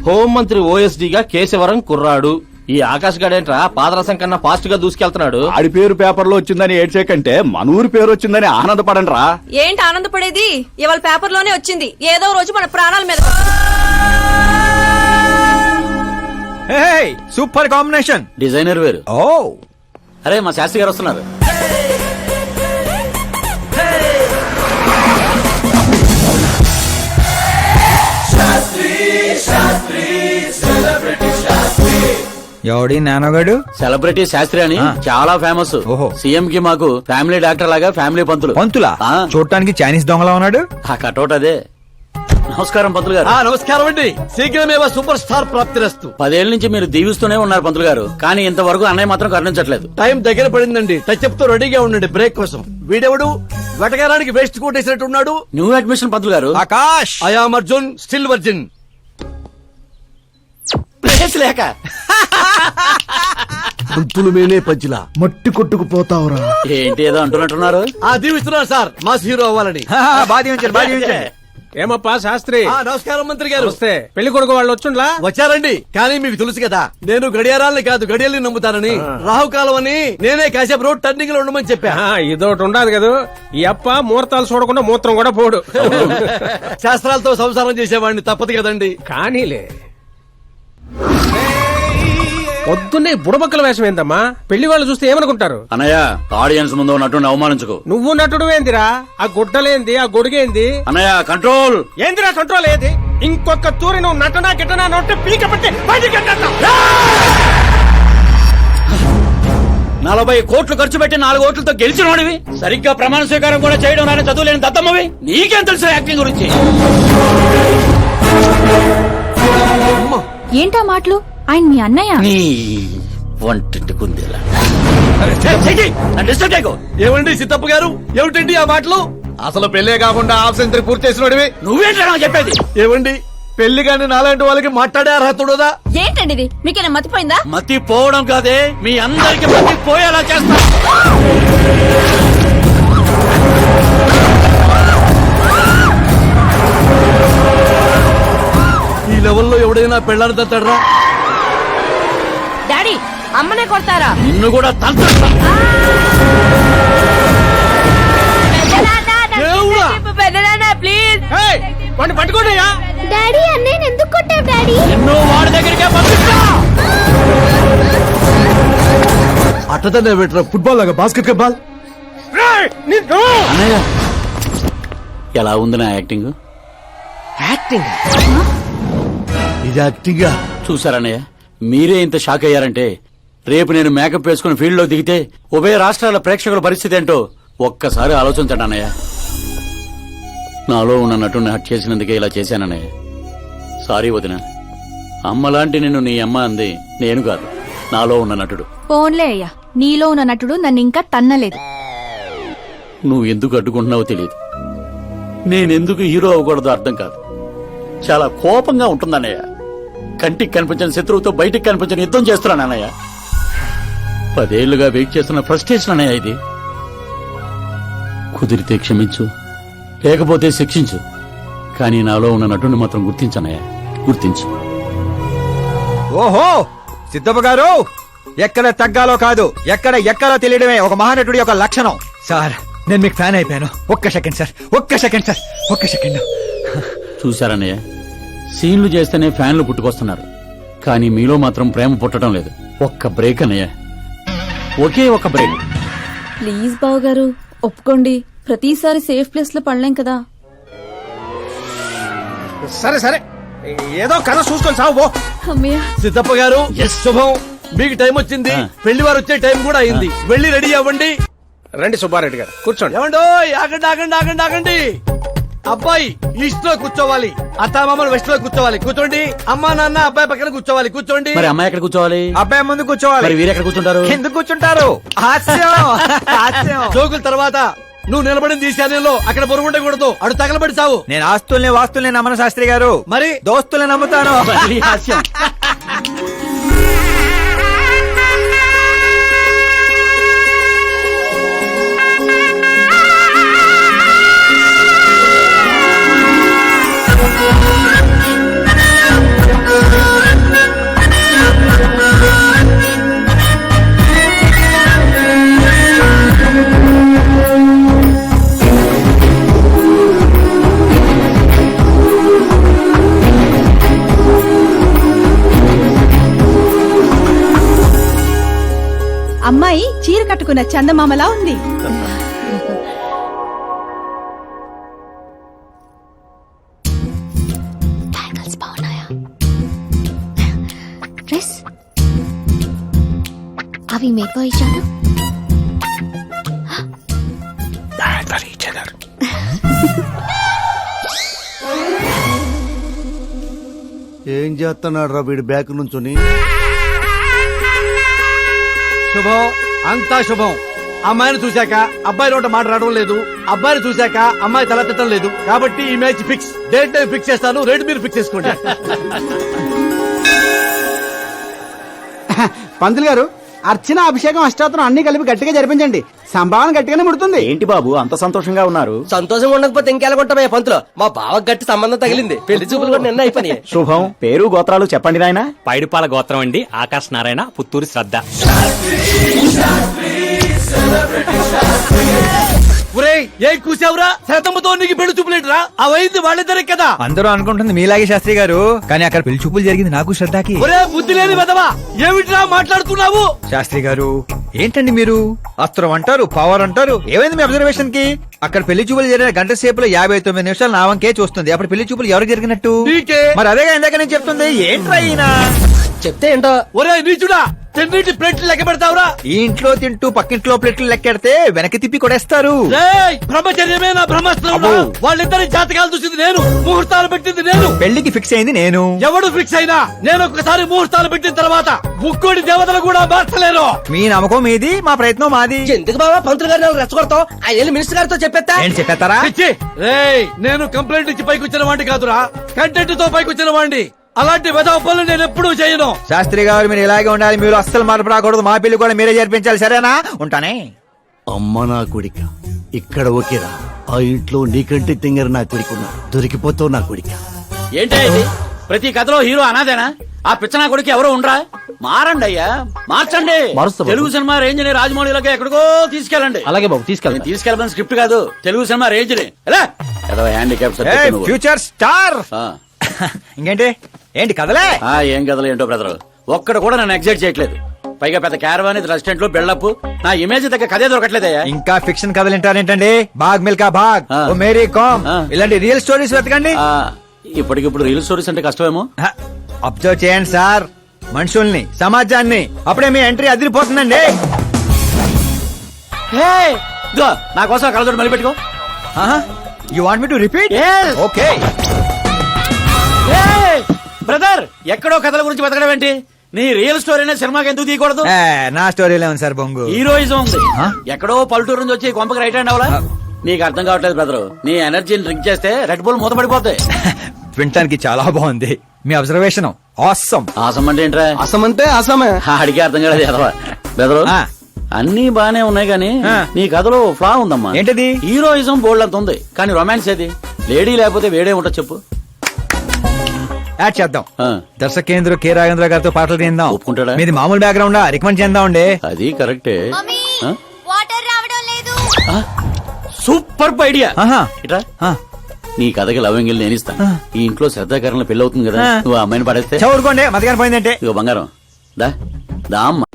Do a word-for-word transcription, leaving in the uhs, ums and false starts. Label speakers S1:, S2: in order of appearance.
S1: హోంమంత్రి ఓఎస్డీగా కేశవరం కుర్రాడు. ఈ ఆకాశ్ గడేంట్రా పాదరసం కన్నా ఫాస్ట్ గా దూసుకెళ్తున్నాడు.
S2: ఆడి పేరు పేపర్ లో వచ్చిందని ఏడ్చే కంటే మన ఊరి పేరు వచ్చిందని ఆనందపడండి రా.
S3: ఏంటి ఆనందపడేది? ఇవాళ పేపర్ లోనే వచ్చింది. ఏదో రోజు మన ప్రాణాల మీద.
S4: Super combination.
S1: డిజైనర్ వేరు.
S4: ఓ
S1: అరే మా శాస్త్రి గారు వస్తున్నారు.
S4: ఎవడి నానోగాడు?
S1: సెలబ్రిటీ శాస్త్రి అని చాలా ఫేమస్.
S4: ఓహో.
S1: సీఎం కి మాకు ఫ్యామిలీ డాక్టర్ లాగా ఫ్యామిలీ పంతులు.
S4: పంతులా?
S1: ఆ.
S4: చూడటానికి చైనీస్ దొంగలా ఉన్నాడు.
S1: ఆ కటౌట్ అదే. నమస్కారం పంతులు గారు.
S5: నమస్కారం అండి. శీఘ్రమే సూపర్ స్టార్ ప్రాప్తిరస్తు.
S1: పదేళ్ల నుంచి మీరు దీవిస్తూనే ఉన్నారు పంతులు గారు, కానీ ఇంతవరకు అన్నయ్య మాత్రం కరుణించట్లేదు.
S5: టైం దగ్గర పడిందండి. టచ్ తో రెడీగా ఉండండి బ్రేక్ కోసం. వీడెవడు వెటకారానికి వేస్ట్ కోట్ వేసినట్టున్నాడు.
S1: న్యూ అడ్మిషన్ పంతులు గారు.
S4: Akash.
S5: I'm Arjun, still virgin.
S1: Place లేక
S5: పంతులు మేనే పంచులా
S2: మట్టి కొట్టుకుపోతావురా.
S1: ఏంటి ఏదో అంటున్నట్టున్నారు.
S5: ఆ దీవిస్తున్నారు సార్ మాస్ హీరో అవ్వాలని.
S4: బాగా ఉంచారు, బాగా ఉంచారు.
S6: ఏమప్పా శాస్త్రి?
S5: ఆ, నమస్కారం మంత్రి గారు.
S6: వస్తే పెళ్లి కొడుకు వాళ్ళు వచ్చుండ్లా?
S5: వచ్చారండి. కానీ మీకు తెలుసు కదా నేను గడియారాలని కాదు గడియల్ని నమ్ముతానని. రాహుకాలం అని నేనే కాసేపు రోడ్ టర్నింగ్ లో ఉండమని చెప్పా.
S6: ఆ, ఇదోటి ఉండదు కదా. ఈ అప్ప ముహూర్తాలు చూడకుండా మూత్రం కూడా పోడు.
S5: శాస్త్రాలతో సంసారం చేసేవాడిని, తప్పదు కదండి.
S6: కానీలే. పొద్దున్నే బుడబక్కల వేషం ఏందమ్మా? పెళ్లి వాళ్ళు చూస్తే ఏమనుకుంటారు?
S1: అన్నయ్య ఆడియన్స్ ముందు ఉన్నట్టు అవమానించుకో.
S6: నువ్వు నటుడు ఏందిరా? ఆ గుడ్డలేంది, ఆ గొడుగేంది?
S1: అన్నయ్య కంట్రోల్.
S6: ఏందిరా కంట్రోల్ ఏది? ఇంకొక తూరి నువ్వు నటనా గిట్టనా నొట్టే పీక పట్టి బయటికి వెళ్ళొద్దు.
S1: నలభై కోట్లు ఖర్చు పెట్టి నాలుగు ఓట్లతో గెలిచిన వాడివి, సరిగ్గా ప్రమాణ స్వీకారం కూడా చేయడం నాని చదువులేని దత్తమ్మవి. నీకేం తెలుసు యాక్టింగ్ గురించి?
S7: ఏంటా మాటలు? ఆయన మీ అన్నయ్య.
S1: నీ వంటింటి కుందేలా. డిస్టర్బ్ చేయకు.
S5: ఏమండి సిద్ధప్ప గారు, ఏమిటండి ఆ మాటలు?
S4: అసలు పెళ్లే కాకుండా హాఫ్ సెంచరీ పూర్తి చేసినోడివి.
S1: నువ్వేంటా నాకు చెప్పేది?
S5: ఏమండి పెళ్లి కాని నాలాంటి వాళ్ళకి మాట్లాడే అర్హత ఉండదా?
S3: ఏంటండి ఇది? మీకేనా మతిపోయిందా?
S1: మతి పోవడం కాదే, మీ అందరికి మతి పోయేలా చేస్తా.
S5: ఈ లెవెల్లో ఎవడైనా పెళ్ళాన్ని తట్టడరా?
S3: డాడీ అమ్మనే కొడతారా?
S1: నిన్ను కూడా తంత్ర.
S3: ప్లీజ్
S6: వాడిని పట్టుకోండియా.
S7: డాడీ అన్నయ్య ఎందుకు కొట్టావు డాడీ?
S1: నిన్ను వాడి దగ్గరికే పంపిస్తా.
S5: అట్టతనే పెట్టరా ఫుట్బాల్ లాగా బాస్కెట్ బాల్.
S1: అన్నయ్య ఎలా ఉంది నా యాక్టింగ్?
S6: యాక్టింగ్
S5: ఇది యాక్టింగా?
S1: చూసారన్నయ్య, మీరే ఇంత షాక్ అయ్యారంటే రేపు నేను మేకప్ వేసుకుని ఫీల్డ్ లో దిగితే ఉభయ రాష్ట్రాల ప్రేక్షకుల పరిస్థితి ఏంటో ఒక్కసారి ఆలోచించండి అన్నయ్య. నాలో ఉన్న నటుని హట్ చేసినందుకే ఇలా చేశానన్నయ్య. సారీ వదిన. అమ్మలాంటి నిన్ను నీ అమ్మ అంది నేను కాదు, నాలో ఉన్న నటుడు.
S7: పోన్లే అయ్యా, నీలో ఉన్న నటుడు నన్ను ఇంకా తన్నలేదు.
S1: నువ్వు ఎందుకు అడ్డుకుంటున్నావో తెలియదు. నేనెందుకు హీరో అవ్వకూడదో అర్థం కాదు. చాలా కోపంగా ఉంటుందన్నయ్య. కంటికి కనిపించిన శత్రువుతో బయటికి కనిపించిన యుద్ధం చేస్తున్నాను అన్నయ్య. పదేళ్లుగా వెయిట్ చేస్తున్న ఫ్రస్ట్రేషన్ అన్నయ్య ఇది. కుదిరితే క్షమించు, లేకపోతే శిక్షించు, కానీ నాలో ఉన్న నటుని మాత్రం గుర్తించనయ్య, గుర్తించు.
S4: ఓహో సిద్ధప్ప గారు, ఎక్కడ తగ్గాలో కాదు ఎక్కడ ఎక్కడో తెలియడమే ఒక మహానటుడి యొక్క లక్షణం. సార్ నేను మీకు ఫ్యాన్ అయిపోయాను. ఒక్క సెకండ్ సార్, ఒక్క సెకండ్ సార్, ఒక్క సెకండ్.
S1: చూశారన్నయ్య, సీన్లు చేస్తేనే ఫ్యాన్లు పుట్టుకొస్తున్నారు, కానీ మీలో మాత్రం ప్రేమ పుట్టడం లేదు. ఒక్క బ్రేక్ అన్నయ్య, ఒకే ఒక బ్రేక్.
S3: ప్లీజ్ బావ గారు ఒప్పుకోండి. ప్రతిసారి సేఫ్ ప్లేస్ లో పడలేం కదా.
S6: సరే సరే, ఏదో కథ చూసుకొని సాగు పో.
S3: అమ్మయ్య.
S5: సిద్ధప్ప గారు శుభం. మీకు టైం వచ్చింది, పెళ్లి వారు వచ్చే టైం కూడా అయింది. వెళ్ళి రెడీ అవ్వండి.
S6: రండి సుబ్బారెడ్డి గారు కూర్చోండి.
S5: ఏమండో ఆగండి ఆగండి ఆగండి ఆగండి. అబ్బాయి ఈస్ట్ లో కూర్చోవాలి, అత్తామామలు వెస్ట్ లో కూర్చోవాలి. కూర్చోండి. అమ్మా నాన్న అబ్బాయి పక్కన కూర్చోవాలి. కూర్చోండి.
S1: మరి అమ్మాయి ఎక్కడ కూర్చోవాలి?
S4: అబ్బాయి ముందు కూర్చోవాలి.
S1: మరి వీరు ఎక్కడ కూర్చుంటారు?
S4: ఎందుకు కూర్చుంటారు? హాస్యం హాస్యం.
S5: జోకుల తర్వాత నువ్వు నిలబడింది ఈ శాలెంలో, అక్కడ బరువు ఉండకూడదు. అడు తగలబడి సావు.
S4: నేను ఆస్తుల్ని వాస్తుల్ని నమ్మను శాస్త్రి గారు,
S5: మరి
S4: దోస్తుల్ని నమ్ముతాను.
S1: మళ్ళీ హాస్యం.
S8: అమ్మాయి చీర కట్టుకున్న చందమామలా ఉంది.
S7: బ్యాంగిల్స్ బాగున్నాయా? డ్రెస్ అవి మేకో ఇచ్చాను.
S5: ఏం చేస్తున్నాడు రా వీడి బ్యాక్ నుంచుని?
S6: శుభం, అంతా శుభం. అమ్మాయిని చూశాక అబ్బాయి నోట మాట రావడం లేదు, అబ్బాయిని చూశాక అమ్మాయి తల తిట్టడం లేదు. కాబట్టి ఈ match fix. Date time fix చేస్తాను, రేట్ మీరు ఫిక్స్ చేసుకోండి.
S9: పంతులు గారు, అర్చన, అభిషేకం, అష్టాత్రం అన్ని కలిపి గట్టిగా జరిపించండి. సంభావన గట్టిగానే ముడుతుంది.
S2: ఏంటి బాబు అంత సంతోషంగా ఉన్నారు?
S6: సంతోషంగా ఉండకపోతే ఇంకెలాగుంటామయ్యా పంతులు? మా బావ గట్టి సంబంధం తగిలింది, పెళ్లి చూపులు కూడా నిన్న అయిపోయినాయి.
S2: శుభం. పేరు గోత్రాలు చెప్పండి నాయన.
S10: పైడిపాల గోత్రం అండి, ఆకాశ్ నారాయణ, పుత్తూరు శ్రద్ధ.
S5: ఒరేయ్, ఏం కూసావురా? శతంతో నీకు పెళ్లి చూపులేట్రా? అవైంది వాళ్ళిద్దరే కదా.
S4: అందరూ అనుకుంటుంది మీలాగే శాస్త్రి గారు, కానీ అక్కడ పెళ్లి చూపులు జరిగింది నాకు శ్రద్ధకి.
S5: ఒరే బుద్ధి లేని వెదవా, ఏమిట్రా మాట్లాడుతున్నావు?
S4: శాస్త్రి గారు ఏంటండి మీరు? అస్త్రం అంటారు, పవర్ అంటారు. ఏమైంది మీ అబ్జర్వేషన్ కి? అక్కడ పెళ్లి చూపులు జరిగిన గంట సేపులో యాభై తొమ్మిది నిమిషాలు నా వంకే చూస్తుంది. అప్పుడు పెళ్లి చూపులు ఎవరికి జరిగినట్టు?
S5: నీకే.
S4: మరి అదేగా ఇందాక నేను చెప్తుంది. ఏంట్రా ఈయన
S6: చెప్తే ఏంటో.
S5: ఒరే నీచుడా, తిన్నిటి ప్లేట్లు లెక్క పెడతావురా?
S4: ఈ ఇంట్లో తింటూ పక్కింట్లో ప్లేట్లు లెక్కెడితే వెనక్కి తిప్పి కొడేస్తారు.
S5: రేయ్, బ్రహ్మచర్యమే నా బ్రహ్మాస్త్రం. వాళ్ళిద్దరి జాతకాలు చూసింది నేను, ముహూర్తాలు పెట్టింది నేను.
S4: పెళ్లికి ఫిక్స్ అయింది నేను.
S5: ఎవడు ఫిక్స్ అయినా నేను ఒక్కసారి ముహూర్తాలు పెట్టిన తర్వాత ముక్కోడి దేవతలు కూడా మార్చలేరు.
S4: మీ నమ్మకం మీది, మా ప్రయత్నం మాది.
S6: ఎందుకు బాబా పంతులు గారిని రెచ్చగొడతావు? ఆ వెళ్ళి మినిస్టర్ గారితో చెప్పేస్తా.
S4: ఏంటి చెప్పేస్తారా?
S5: పిచ్చి. రేయ్, నేను కంప్లైంట్ ఇచ్చి పైకి వచ్చిన వాడిని కాదురా, కంటెంట్ తో పైకి వచ్చిన వాడిని. అలాంటి వెధవ పనులు నేను ఎప్పుడూ చేయను.
S4: శాస్త్రి గారు మీరు ఇలాగే ఉండాలి. మీరు అస్సలు మార్పు రాకూడదు. మా పెళ్లి కూడా మీరే జరిపించాలి, సరేనా? ఉంటానే.
S5: అమ్మ నా కొడిక, ఇక్కడ ఓకేరా. ఆ ఇంట్లో నీకంటే తింగర నా కొడుకున్నాడు. దొరికిపోతావు నా కొడిక.
S1: ఏంటి ఇది? ప్రతి కథలో హీరో అనాదేనా? ఆ పిచ్చనా కొడుకు ఎవరో ఉండరా? మారండి అయ్యా, మార్చండి. తెలుగు సినిమా రేంజ్ ని రాజమౌళిలోకి ఎక్కడికో తీసుకెళ్ళండి.
S2: అలాగే బాబు, తీసుకెళ్ళండి.
S1: నేను తీసుకెళ్ళమని స్క్రిప్ట్ కాదు, తెలుగు సినిమా రేంజ్ ని. Handicap
S4: future star. ఇంకేంటి ఏంటి కదలే?
S1: ఏం కథలు ఏంటో బ్రదర్, ఒక్కడ కూడా నన్ను ఎగ్జైట్ చేయట్లేదు. పైగా పెద్ద క్యారవాన్ రెస్టారెంట్ లో బిల్డప్, నా ఇమేజ్ దగ్గర కథే దొరకట్లేదయ్యా.
S4: ఇంకా ఫిక్షన్ కథలు వింటారేంటండి? బాగ్ మిల్కా బాగ్,
S1: ఆ.
S4: ఓ మేరీ కామ్,
S1: ఆ.
S4: ఇలాంటి రియల్ స్టోరీస్ వెతకండి.
S1: ఆ, ఇప్పటికిప్పుడు రీల్ స్టోరీస్ అంటే కష్టమేమో.
S4: అబ్జర్వ్ చేయండి సార్ మనుషుల్ని, సమాజాన్ని. అప్పుడే మీ ఎంట్రీ అదిరిపోతుందండి.
S1: హే, ఇదిగో, నా కోసం కళ్ళజోడు మళ్ళీ పెట్టుకో.
S4: You want me to repeat?
S1: Yes.
S4: Okay.
S1: Brother, ఎక్కడో కథల గురించి బతకడం ఏంటి? నీ రియల్ స్టోరీనే సినిమాకి ఎందుకు తీయకూడదు?
S4: నా స్టోరీలో ఉంది సార్ బొంగు.
S1: హీరోయిజం ఉంది.
S4: ఆ?
S1: ఎక్కడో పల్లెటూరు నుంచి వచ్చి కొంపకి రైట్ హ్యాండ్ అవలా? నీకు అర్థం కావట్లేదు బ్రదర్. నీ ఎనర్జీని డ్రింక్ చేస్తే రెడ్ బుల్ మూతపడిపోతాయి.
S4: వినటానికి చాలా బాగుంది మీ అబ్జర్వేషన్. ఆసమ్.
S1: ఆసం అంటే ఏంట్రా?
S9: అసమంటే అసమే.
S1: అడిగే అర్థం కాలేదు ఎదవా. బ్రదర్,
S4: ఆ.
S1: అన్ని బానే ఉన్నాయి కానీ
S4: ఆ.
S1: నీ కథలో ఫ్లా ఉందమ్మా.
S4: ఏంటది?
S1: హీరోయిజం బోల్డ్ అంత ఉంది, కానీ రొమాన్స్ ఏది? లేడీ లేకపోతే వేడే ఉంటది చెప్పు.
S4: యాడ్ చేద్దాం.
S1: ఆ.
S4: దర్శకేంద్ర కె రాఘేంద్ర గారితో పాటలు తీద్దాం.
S1: ఒప్పుకుంటాడా?
S4: మీది మామూలు బ్యాక్గ్రౌండ్ రికమెండ్ చేద్దాం అండి.
S1: అది కరెక్టే. ఆ?
S7: వాటర్ రావడం లేదు.
S1: ఆ? Super idea.
S4: ఆహా.
S1: ఇట్రా,
S4: ఆ.
S1: నీ కథకి లవంగిల్ నేను ఇస్తా.
S4: ఆ.
S1: ఈ ఇంట్లో శ్రద్ధాకరణ పెళ్లి అవుతుంది కదా,
S4: ఆ.
S1: నువ్వు ఆ అమ్మాయిని పడేస్తే
S4: చదువుకోండి మధ్యాహ్నం పోయిందంటే.
S1: ఇగో బంగారం, దా దా అమ్మ.